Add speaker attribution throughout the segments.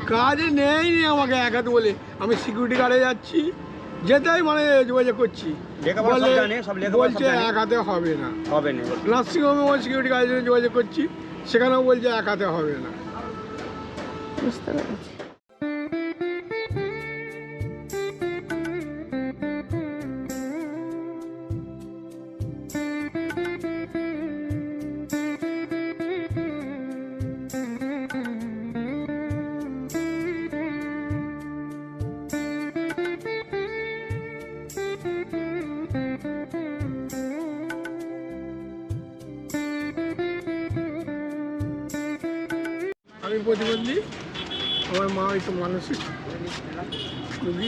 Speaker 1: কাজে নেই আমাকে একাতে বলে, আমি সিকিউরিটি গার্ডে যাচ্ছি, যেটাই মানে যোগাযোগ করছি বলছে এক হাতে হবে না। নার্সিংহোমে সিকিউরিটি গার্ডের জন্য যোগাযোগ করছি, সেখানেও বলছে এক হাতে হবে না।
Speaker 2: বুঝতে পেরেছি।
Speaker 1: আমি প্রতিবন্ধী, আমার মা একটু মানসিক রোগী।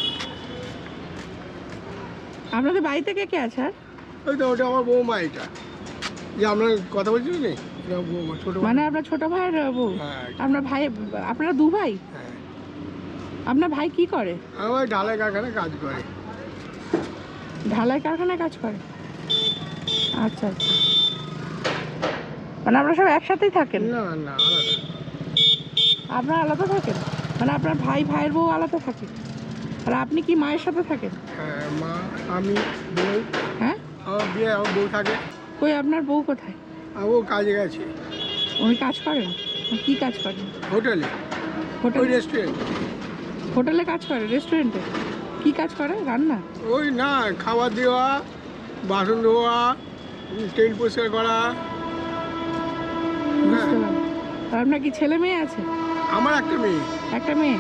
Speaker 2: আপনাদের বাড়িতে কে কে আছে?
Speaker 1: ওই তো ওটা আমার বৌমা, এটা যে আপনার কথা বলছি না, এটা বৌমা, ছোট
Speaker 2: মানে আপনার ছোট ভাইয়ের বউ?
Speaker 1: হ্যাঁ।
Speaker 2: আপনার ভাই, আপনারা দু ভাই?
Speaker 1: হ্যাঁ।
Speaker 2: আপনার ভাই কি করে?
Speaker 1: আমার ঢালাই কারখানায় কাজ করে।
Speaker 2: ঢালাই কারখানায় কাজ করে? আচ্ছা আচ্ছা, মানে আপনারা সব একসাথেই থাকেন?
Speaker 1: না না, আলাদা।
Speaker 2: আপনারা আলাদা থাকেন? মানে আপনার ভাইয়ের বউ আলাদা থাকে, আর আপনি কি মায়ের সাথে থাকেন?
Speaker 1: হ্যাঁ, মা, আমি, বউ।
Speaker 2: হ্যাঁ,
Speaker 1: আমার বিয়ে, আমার বউ থাকে।
Speaker 2: কই আপনার বউ কোথায়?
Speaker 1: ও কাজে গেছে।
Speaker 2: উনি কাজ করেন? কি কাজ করেন?
Speaker 1: হোটেলে,
Speaker 2: হোটেল?
Speaker 1: ওই রেস্টুরেন্ট।
Speaker 2: হোটেলে কাজ করে? রেস্টুরেন্টে কি কাজ করে? রান্না?
Speaker 1: ওই না, খাবার দেওয়া, বাসন ধোয়া, টেবিল পরিষ্কার করা।
Speaker 2: বুঝতে পারলাম। আর আপনার কি ছেলে মেয়ে আছে?
Speaker 1: আমার একটা মেয়ে।
Speaker 2: একটা মেয়ে?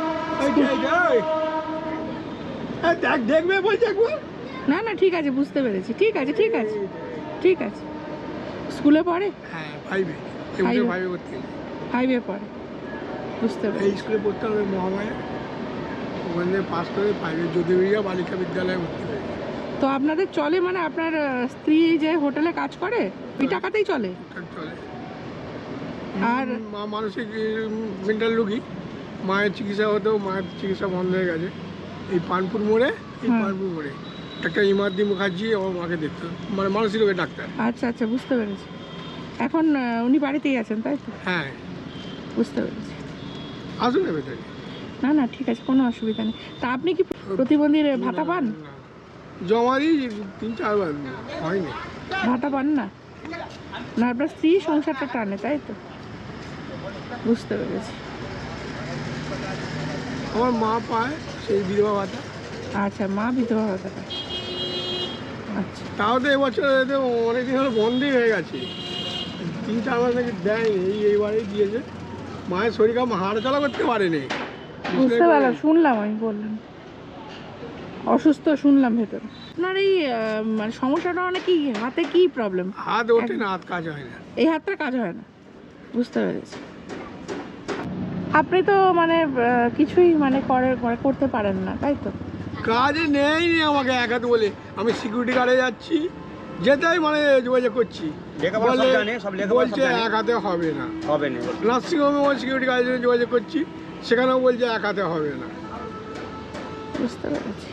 Speaker 1: দেখবে বলছে একবার।
Speaker 2: না না, ঠিক আছে, বুঝতে পেরেছি। ঠিক আছে ঠিক আছে ঠিক আছে। স্কুলে পড়ে?
Speaker 1: হ্যাঁ, ফাইভে।
Speaker 2: ফাইভে?
Speaker 1: ফাইভে পড়তে,
Speaker 2: 5-এ পড়ে। বুঝতে
Speaker 1: এই
Speaker 2: পেরেছি।
Speaker 1: স্কুলে পড়তে হবে মহামায়া, ওখান থেকে পাস করে ফাইভে জ্যোতির্বিদ্যা বালিকা বিদ্যালয়ে ভর্তি হয়েছে।
Speaker 2: তো আপনাদের চলে, মানে আপনার স্ত্রী যে হোটেলে কাজ করে ওই টাকাতেই চলে?
Speaker 1: ঠিকঠাক চলে।
Speaker 2: আর
Speaker 1: মা মানসিক মেন্টাল রোগী, মায়ের চিকিৎসা হতো, মায়ের চিকিৎসা বন্ধ হয়ে গেছে। এই পানপুর মোড়ে, পানপুর মোড়ে একটা ইমার্দি মুখার্জি আমার মাকে দেখতো, মানে মানসিক রোগের ডাক্তার।
Speaker 2: আচ্ছা আচ্ছা, বুঝতে পেরেছি। এখন উনি বাড়িতেই আছেন, তাই তো?
Speaker 1: হ্যাঁ,
Speaker 2: বুঝতে পেরেছি।
Speaker 1: আসুন না ভেতরে।
Speaker 2: না না, ঠিক আছে, কোনো অসুবিধা নেই। তা আপনি কি প্রতিবন্ধীর ভাতা পান?
Speaker 1: না, জমা দিই 3-4 বার, হয়নি।
Speaker 2: ভাতা পান না? না, আপনার স্ত্রী সংসারটা টানে, তাই তো? বুঝতে পেরেছি।
Speaker 1: আমার মা পায় সেই বিধবা ভাতা।
Speaker 2: আচ্ছা, মা বিধবা ভাতা পায়। আচ্ছা,
Speaker 1: তাও তো এবছর অনেকদিন হলো বন্ধই হয়ে গেছে, 3-4 মাস নাকি দেয়নি, এইবারেই দিয়েছে। মায়ের শরীর খারাপ, হাঁটা চলা করতে পারেনি।
Speaker 2: বুঝতে পারলাম, শুনলাম, আমি বললাম অসুস্থ, শুনলাম ভেতরে। আপনার এই মানে সমস্যাটা মানে কি, হাতে কি প্রবলেম?
Speaker 1: হাত ওঠে না, হাত কাজ হয় না।
Speaker 2: এই হাতটা কাজ হয় না? বুঝতে পেরেছি। আপনি তো মানে কিছুই মানে করতে পারেন না, তাই তো?
Speaker 1: কাজে নেই আমাকে একাতে বলে, আমি সিকিউরিটি গার্ডে যাচ্ছি, যেটাই মানে যোগাযোগ করছি বলছে এক হাতে হবে না। নার্সিংহোমে সিকিউরিটি গার্ডের জন্য যোগাযোগ করছি, সেখানেও বলছে এক হাতে হবে না।
Speaker 2: বুঝতে পেরেছি।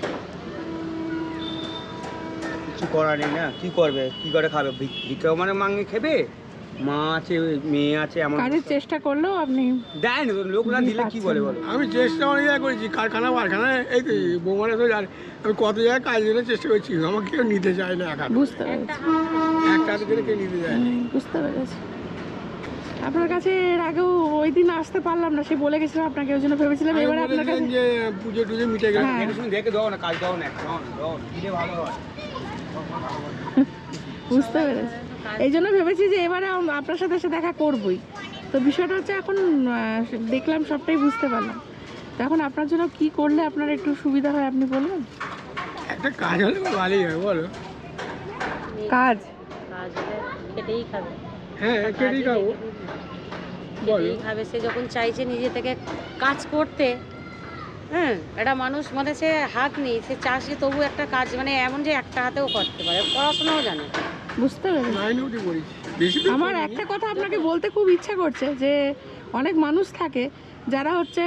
Speaker 3: কিছু করার নেই না, কি করবে, কি করে খাবে? ভিক্ষাও মানে মাঙ্গে খেবে, মা আছে, মেয়ে আছে, এমন
Speaker 2: কাজের চেষ্টা করলেও আপনি
Speaker 3: দেয় না, লোক না দিলে কি বলে বলো?
Speaker 1: আমি চেষ্টা অনেক জায়গায় করেছি, কারখানায়, এই তো বৌমারা তো জানে, আমি কত জায়গায় কাজ জন্য চেষ্টা করছি, আমাকে কেউ নিতে চায় না।
Speaker 2: বুঝতে পেরেছি।
Speaker 1: একটা হাতে করে কেউ নিতে চায় না।
Speaker 2: বুঝতে পেরেছি। আপনার কাছে এর আগেও ওই দিন আসতে পারলাম না, সে বলে গেছিলাম আপনাকে, ওই জন্য ভেবেছিলাম
Speaker 1: আমি
Speaker 2: এবারে আপনার কাছে।
Speaker 1: বলেছিলাম যে পুজো টুজো মিটে গেছে,
Speaker 2: হ্যাঁ।
Speaker 3: দেখে শুনে দেখে দাও না, কাজ দাও না, দিলে ভালো হয়।
Speaker 2: বুঝতে পেরেছি। এই জন্য ভেবেছি যে এবারে আপনার সাথে এসে দেখা করবই। তো বিষয়টা হচ্ছে, এখন দেখলাম, সবটাই বুঝতে পারলাম। তো এখন আপনার জন্য কি করলে আপনার একটু সুবিধা হয় আপনি বলবেন?
Speaker 1: একটা কাজ হলে ভালোই হয়, বলো।
Speaker 2: কাজ?
Speaker 4: কাজ হলে খেটেই খাবে।
Speaker 1: হ্যাঁ, কেটেই খাবো, বলো।
Speaker 4: খেটেই খাবে। সে যখন চাইছে নিজে থেকে কাজ করতে, হ্যাঁ, একটা মানুষ মানে সে হাত নেই, সে চাষে তবু একটা কাজ, মানে এমন যে একটা হাতেও করতে পারে, পড়াশোনাও জানে।
Speaker 2: বুঝতে পেরেছি।
Speaker 1: 9 অবধি পড়েছি, বেশি তো
Speaker 2: আমার
Speaker 1: পড়িনি।
Speaker 2: একটা কথা আপনাকে বলতে খুব ইচ্ছা করছে, যে অনেক মানুষ থাকে যারা হচ্ছে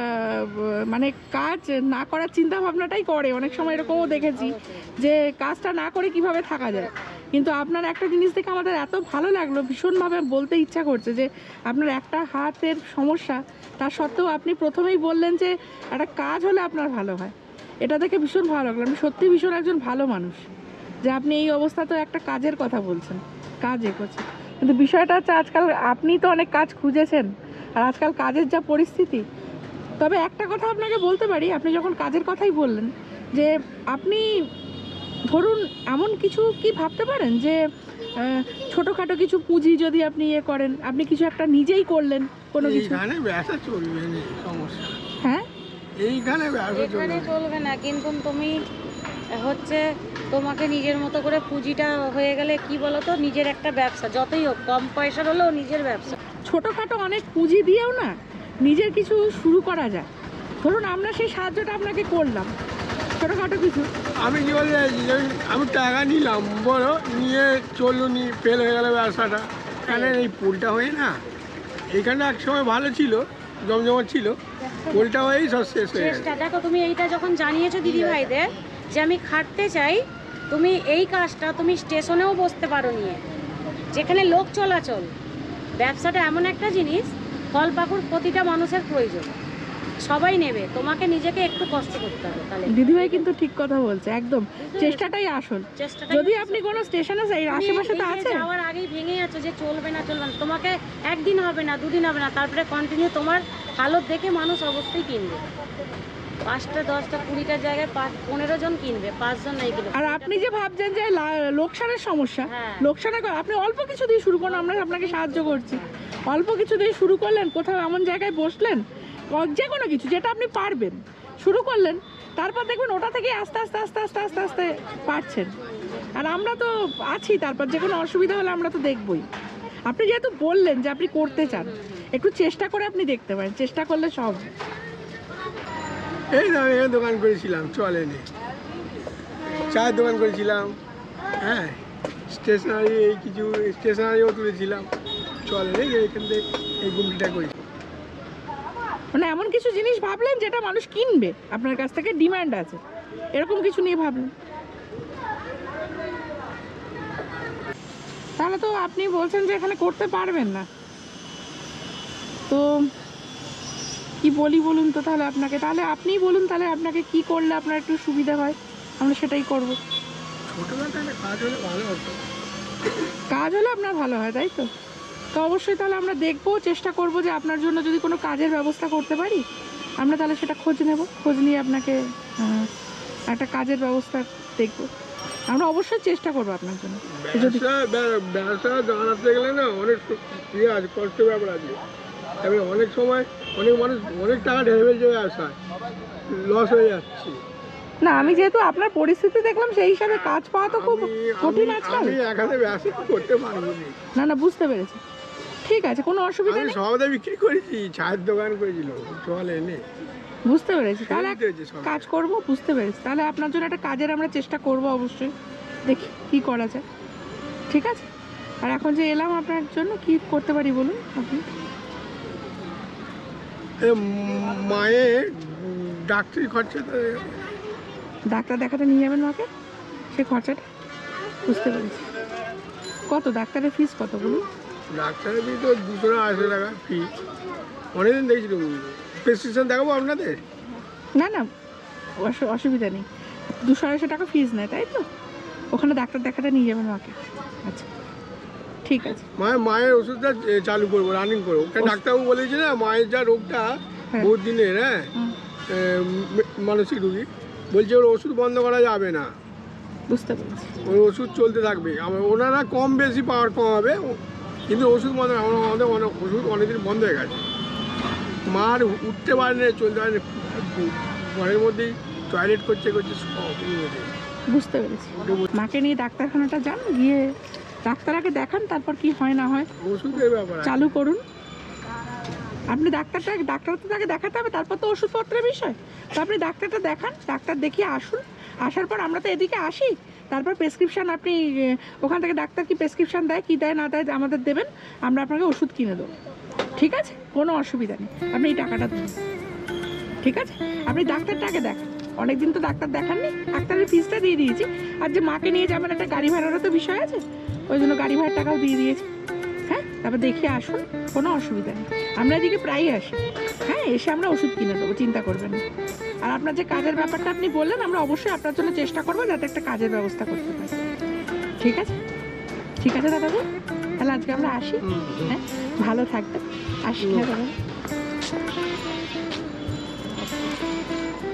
Speaker 2: মানে কাজ না করার চিন্তা ভাবনাটাই করে, অনেক সময় এরকমও দেখেছি যে কাজটা না করে কিভাবে থাকা যায়। কিন্তু আপনার একটা জিনিস দেখে আমাদের এত ভালো লাগলো, ভীষণভাবে বলতে ইচ্ছা করছে যে আপনার একটা হাতের সমস্যা, তার সত্ত্বেও আপনি প্রথমেই বললেন যে একটা কাজ হলে আপনার ভালো হয়। এটা দেখে ভীষণ ভালো লাগলো। আপনি সত্যি ভীষণ একজন ভালো মানুষ যে আপনি এই অবস্থাতেও একটা কাজের কথা বলছেন, কাজ করছেন। কিন্তু বিষয়টা হচ্ছে আজকাল আপনি তো অনেক কাজ খুঁজেছেন, আর আজকাল কাজের যা পরিস্থিতি। তবে একটা কথা আপনাকে বলতে পারি, আপনি যখন কাজের কথাই বললেন যে আপনি ধরুন এমন কিছু কি ভাবতে পারেন যে ছোটোখাটো কিছু পুঁজি যদি আপনি করেন, আপনি কিছু একটা নিজেই করলেন কোনো কিছু।
Speaker 1: এইখানে ব্যবসা চলবে না, সমস্যা।
Speaker 2: হ্যাঁ,
Speaker 1: এইখানে ব্যবসা
Speaker 4: এখানে
Speaker 1: চলবে
Speaker 4: চলবে না, কিন্তু তুমি হচ্ছে তোমাকে নিজের মতো করে পুঁজিটা হয়ে গেলে কি বলো তো, নিজের একটা ব্যবসা, যতই হোক কম পয়সার হলেও নিজের ব্যবসা।
Speaker 2: ছোটোখাটো অনেক পুঁজি দিয়েও না নিজের কিছু শুরু করা যায়। ধরুন আমরা সেই সাহায্যটা আপনাকে করলাম, ছোটোখাটো কিছু।
Speaker 1: আমি কি বলতে চাইছি, আমি টাকা নিলাম বড়, নিয়ে চললো, নিয়ে ফেল হয়ে গেল ব্যবসাটা। এখানে এই পোলটা হয়ে না, এখানে এক সময় ভালো ছিল, জমজমাট ছিল, পোলটা হয়েই সব শেষ হয়ে গেছে।
Speaker 4: চেষ্টা দেখো, তুমি এইটা যখন জানিয়েছো দিদি ভাইদের যে আমি খাটতে চাই, তুমি এই কাজটা তুমি স্টেশনেও বসতে পারো নিয়ে, যেখানে লোক চলাচল। ব্যবসাটা এমন একটা জিনিস, ফল পাকুড় প্রতিটা মানুষের প্রয়োজন, সবাই নেবে, তোমাকে নিজেকে একটু কষ্ট করতে হবে। তাহলে
Speaker 2: দিদিভাই কিন্তু ঠিক কথা বলছে, একদম চেষ্টাটাই আসল।
Speaker 4: চেষ্টাটা
Speaker 2: যদি আপনি কোনো স্টেশনে যাই, আশেপাশে তো আছে,
Speaker 4: যাওয়ার আগেই ভেঙে যাচ্ছ যে চলবে না চলবে না, তোমাকে একদিন হবে না, দুদিন হবে না, তারপরে কন্টিনিউ তোমার হালত দেখে মানুষ অবশ্যই কিনবে। 5টা 10টা 20টার জায়গায় 15 জন কিনবে, 5 জন নাই কিনবে।
Speaker 2: আর আপনি যে ভাবছেন যে লোকসানের সমস্যা,
Speaker 4: হ্যাঁ।
Speaker 2: লোকসানের আপনি অল্প কিছু দিয়ে শুরু করুন, আমরা আপনাকে সাহায্য করছি। অল্প কিছু দিয়ে শুরু করলেন, কোথাও এমন জায়গায় বসলেন, যে কোনো কিছু যেটা আপনি পারবেন শুরু করলেন, তারপর দেখবেন ওটা থেকে আস্তে আস্তে আস্তে আস্তে আস্তে আস্তে পারছেন। আর আমরা তো আছি, তারপর যে কোনো অসুবিধা হলে আমরা তো দেখবই। আপনি যেহেতু বললেন যে আপনি করতে চান, একটু চেষ্টা করে আপনি দেখতে পারেন, চেষ্টা করলে সব।
Speaker 1: এই না, আমি এখানে দোকান করেছিলাম, চলেনি। চায়ের দোকান করেছিলাম, হ্যাঁ, স্টেশনারি, এই কিছু স্টেশনারিও তুলেছিলাম, চলেনি। এখান থেকে এই গুমটিটা করেছি।
Speaker 2: মানে এমন কিছু জিনিস ভাবলেন যেটা মানুষ কিনবে, আপনার কাছ থেকে ডিমান্ড আছে, এরকম কিছু নিয়ে ভাবলেন। তাহলে তো আপনি বলছেন যে এখানে করতে পারবেন না, তো কি বলি বলুন তো তাহলে আপনাকে, তাহলে আপনিই বলুন, তাহলে আপনাকে কি করলে আপনার একটু সুবিধা হয়, আমরা সেটাই করব।
Speaker 1: ছোটোখাটো একটা কাজ হলে ভালো হতো।
Speaker 2: কাজ হলে আপনার ভালো হয়, তাই তো? তো অবশ্যই তাহলে আমরা দেখবো, চেষ্টা করব যে আপনার জন্য যদি কোনো কাজের ব্যবস্থা করতে পারি, আমরা তাহলে সেটা খোঁজ নেব, খোঁজ নিয়ে আপনাকে একটা কাজের ব্যবস্থা দেখব। আমরা অবশ্যই চেষ্টা করবো আপনার জন্য। যদি
Speaker 1: ব্যবসা জানাতে গেলে না অনেক ইয়ে আছে, কষ্টের ব্যাপার আছে। তবে অনেক সময় অনেক মানুষ অনেক টাকা ঢেলে ফেলছে, ব্যবসায় লস হয়ে যাচ্ছে।
Speaker 2: না, আমি যেহেতু আপনার পরিস্থিতি দেখলাম, সেই হিসাবে কাজ পাওয়া তো খুব কঠিন আজকাল।
Speaker 1: আমি একাতে ব্যবসা করতে পারবো না।
Speaker 2: না না, বুঝতে পেরেছি, ঠিক আছে, কোনো অসুবিধা
Speaker 1: আমি
Speaker 2: নেই,
Speaker 1: সবাই বিক্রি করেছি, চায়ের দোকান করেছিল, চলে এনে
Speaker 2: বুঝতে পেরেছি। তাহলে এক
Speaker 1: হয়েছে সব।
Speaker 2: কাজ করব, বুঝতে পেরেছি। তাহলে আপনার জন্য একটা কাজের আমরা চেষ্টা করব, অবশ্যই দেখি কি করা যায়, ঠিক আছে? আর এখন যে এলাম আপনার জন্য, কি করতে পারি বলুন আপনি?
Speaker 1: মায়ের ডাক্তারি খরচা তো,
Speaker 2: ডাক্তার দেখাতে নিয়ে যাবেন মাকে, সে খরচাটা বুঝতে পেরেছি। কত ডাক্তারের ফিস কত বলুন?
Speaker 1: ডাক্তারের ফি তো 200-250 টাকা ফি। অনেকদিন দেখছিল, প্রেসক্রিপশন দেখাবো আপনাদের?
Speaker 2: না না, অসুবিধা নেই, 200-250 টাকা ফিস নেয়, তাই তো? ওখানে ডাক্তার দেখাতে নিয়ে যাবেন মাকে, আচ্ছা ঠিক আছে।
Speaker 1: মায়ের ওষুধটা চালু করবো, রানিং করবো। ডাক্তারবাবু বলেছে না, মায়ের যা রোগটা বহুত দিনের, হ্যাঁ, মানসিক রুগী, বলছে ওর ওষুধ বন্ধ করা যাবে না,
Speaker 2: বুঝতে পেরেছি।
Speaker 1: ওর ওষুধ চলতে থাকবে। ওনারা কম বেশি পাওয়ার কমাবে, কিন্তু ওষুধ বন্ধ, আমাদের ওষুধ অনেকদিন বন্ধ হয়ে গেছে। মার উঠতে পারে না, চলতে পারে না, ঘরের মধ্যেই টয়লেট করছে সব।
Speaker 2: বুঝতে পেরেছি। মাকে নিয়ে ডাক্তারখানাটা যান, গিয়ে ডাক্তার আগে দেখান, তারপর কি হয় না হয়
Speaker 1: ওষুধের ব্যাপার
Speaker 2: চালু করুন। আপনি ডাক্তার তো তাকে দেখাতে হবে, তারপর তো ওষুধপত্রের বিষয়। তো আপনি ডাক্তারটা দেখান, ডাক্তার দেখিয়ে আসুন। আসার পর আমরা তো এদিকে আসি, তারপর প্রেসক্রিপশান আপনি ওখান থেকে ডাক্তার কি প্রেসক্রিপশান দেয়, কী দেয় না দেয় আমাদের দেবেন, আমরা আপনাকে ওষুধ কিনে দেবো। ঠিক আছে, কোনো অসুবিধা নেই, আপনি এই টাকাটা দেবেন। ঠিক আছে, আপনি ডাক্তারটাকে দেখান, অনেকদিন তো ডাক্তার দেখাননি, ডাক্তারের ফিসটা দিয়ে দিয়েছি। আর যে মাকে নিয়ে যাবেন একটা গাড়ি ভাড়ারও তো বিষয় আছে, ওই জন্য গাড়ি ভাড়ার টাকাও দিয়ে দিয়েছি। হ্যাঁ, তারপর দেখিয়ে আসুন, কোনো অসুবিধা নেই, আমরা এদিকে প্রায়ই আসি। হ্যাঁ, এসে আমরা ওষুধ কিনে দেবো, চিন্তা করবেন না। আর আপনার যে কাজের ব্যাপারটা আপনি বললেন, আমরা অবশ্যই আপনার জন্য চেষ্টা করবো যাতে একটা কাজের ব্যবস্থা করতে পারি। ঠিক আছে, ঠিক আছে দাদাবু, তাহলে আজকে আমরা আসি। হ্যাঁ, ভালো থাকবেন, আসি। হ্যাঁ দাদা।